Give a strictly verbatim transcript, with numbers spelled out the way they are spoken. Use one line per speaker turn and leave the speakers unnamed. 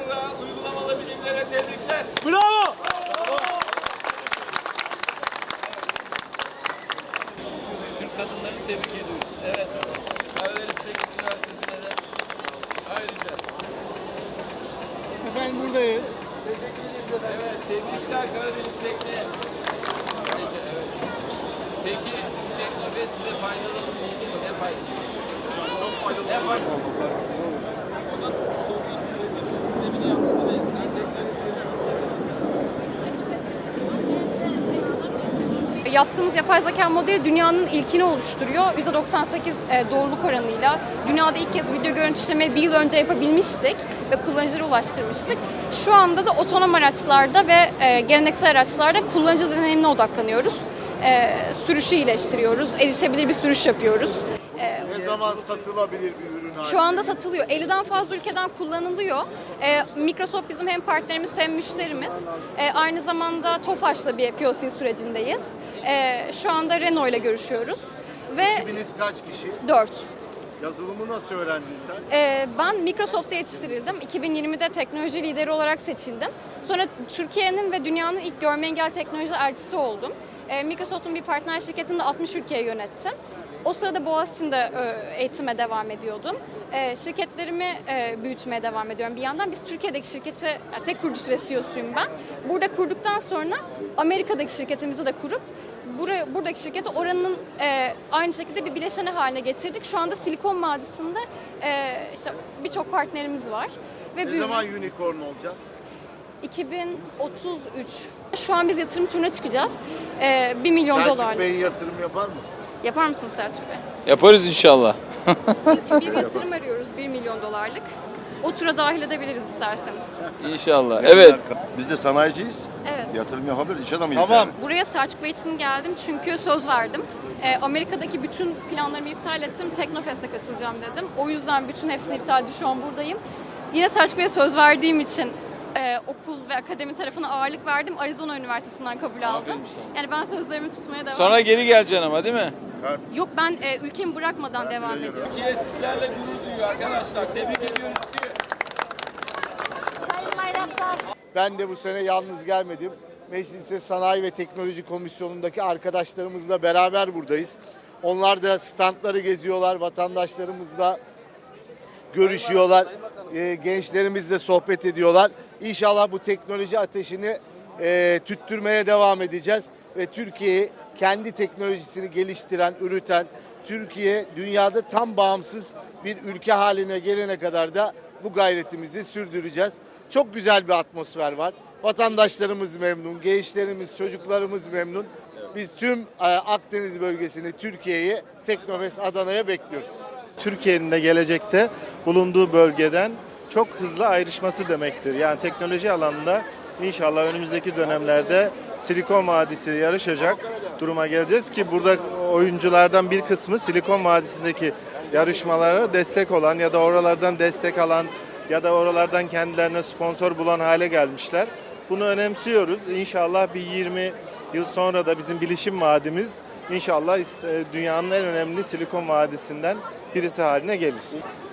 Berra uygulamalı bilimlere tebrikler.
Bravo!
Türk kadınlarını tebrik ediyoruz. Evet. Karadeniz Teknik Üniversitesi'ne de ayrıca.
Efendim buradayız.
Evet, tebrikler Karadeniz Tekniğe. Peki, evet. Peki, bu teknoloji size faydalı oldu mu? Ne faydası? Çok faydalı. Ne faydası? Onun token, token sistemini yaptı değil mi? Sen teknoloji yarışmasına katıldın.
Yaptığımız yapay zeka modeli dünyanın ilkini oluşturuyor. yüzde doksan sekiz doğruluk oranıyla dünyada ilk kez video görüntülemeyi bir yıl önce yapabilmiştik ve kullanıcılara ulaştırmıştık. Şu anda da otonom araçlarda ve geleneksel araçlarda kullanıcı deneyimine odaklanıyoruz. Sürüşü iyileştiriyoruz, erişebilir bir sürüş yapıyoruz.
Ne zaman satılabilir bir ürün haline?
Şu anda satılıyor. elliden fazla ülkeden kullanılıyor. Ee, Microsoft bizim hem partnerimiz hem müşterimiz. Ee, aynı zamanda TOFAŞ'la bir P O C sürecindeyiz. Ee, şu anda Renault ile görüşüyoruz. Ve
Ekibiniz kaç kişi?
dört.
Yazılımı nasıl öğrendin sen?
Ee, ben Microsoft'ta yetiştirildim. iki bin yirmide teknoloji lideri olarak seçildim. Sonra Türkiye'nin ve dünyanın ilk görme engel teknoloji elçisi oldum. Ee, Microsoft'un bir partner şirketinde altmış ülkeyi yönettim. O sırada Boğaziçi'nde eğitime devam ediyordum. E, şirketlerimi e, büyütmeye devam ediyorum bir yandan. Biz Türkiye'deki şirketi, yani tek kurucusu ve C E O'suyum ben. Burada kurduktan sonra Amerika'daki şirketimizi de kurup buraya, buradaki şirketi oranın e, aynı şekilde bir bileşeni haline getirdik. Şu anda Silikon Vadisi'nde e, işte birçok partnerimiz var. Ve
Ne
büyüme-
zaman unicorn olacak?
iki bin otuz üç. Şu an biz yatırım turuna çıkacağız. E, bir milyon
Selçuk
dolarlık.
Bey yatırım yapar mı?
Yapar mısınız Selçuk Bey?
Yaparız inşallah.
Biz bir yatırım arıyoruz bir milyon dolarlık. O tura dahil edebiliriz isterseniz.
İnşallah. Evet.
Biz de sanayiciyiz.
Evet.
Yatırım yapabiliriz, iş adamıyız
Tamam.
yani.
Buraya Selçuk Bey için geldim çünkü söz verdim. Ee, Amerika'daki bütün planlarımı iptal ettim. Teknofest'e katılacağım dedim. O yüzden bütün hepsini iptal edip şu an buradayım. Yine Selçuk Bey'e söz verdiğim için e, okul ve akademi tarafına ağırlık verdim. Arizona Üniversitesi'nden kabul aldım.
Aferin sana.
Yani ben sözlerimi tutmaya devam
Sonra geri geleceksin ama değil mi?
Yok, ben e, ülkemi bırakmadan devam ediyorum.
Türkiye sizlerle gurur duyuyor arkadaşlar. Tebrik ediyoruz diye.
Ben de bu sene yalnız gelmedim. Meclise Sanayi ve Teknoloji Komisyonu'ndaki arkadaşlarımızla beraber buradayız. Onlar da standları geziyorlar, vatandaşlarımızla görüşüyorlar, e, gençlerimizle sohbet ediyorlar. İnşallah bu teknoloji ateşini e, tüttürmeye devam edeceğiz ve Türkiye'yi kendi teknolojisini geliştiren, üreten, Türkiye dünyada tam bağımsız bir ülke haline gelene kadar da bu gayretimizi sürdüreceğiz. Çok güzel bir atmosfer var. Vatandaşlarımız memnun, gençlerimiz, çocuklarımız memnun. Biz tüm e, Akdeniz bölgesini, Türkiye'yi Teknofest Adana'ya bekliyoruz.
Türkiye'nin de gelecekte bulunduğu bölgeden çok hızlı ayrışması demektir. Yani teknoloji alanında inşallah önümüzdeki dönemlerde Silikon Vadisi yarışacak duruma geleceğiz ki burada oyunculardan bir kısmı Silikon Vadisi'ndeki yarışmalara destek olan ya da oralardan destek alan ya da oralardan kendilerine sponsor bulan hale gelmişler. Bunu önemsiyoruz. İnşallah bir yirmi yıl sonra da bizim bilişim vadimiz inşallah dünyanın en önemli Silikon Vadisi'nden birisi haline gelir.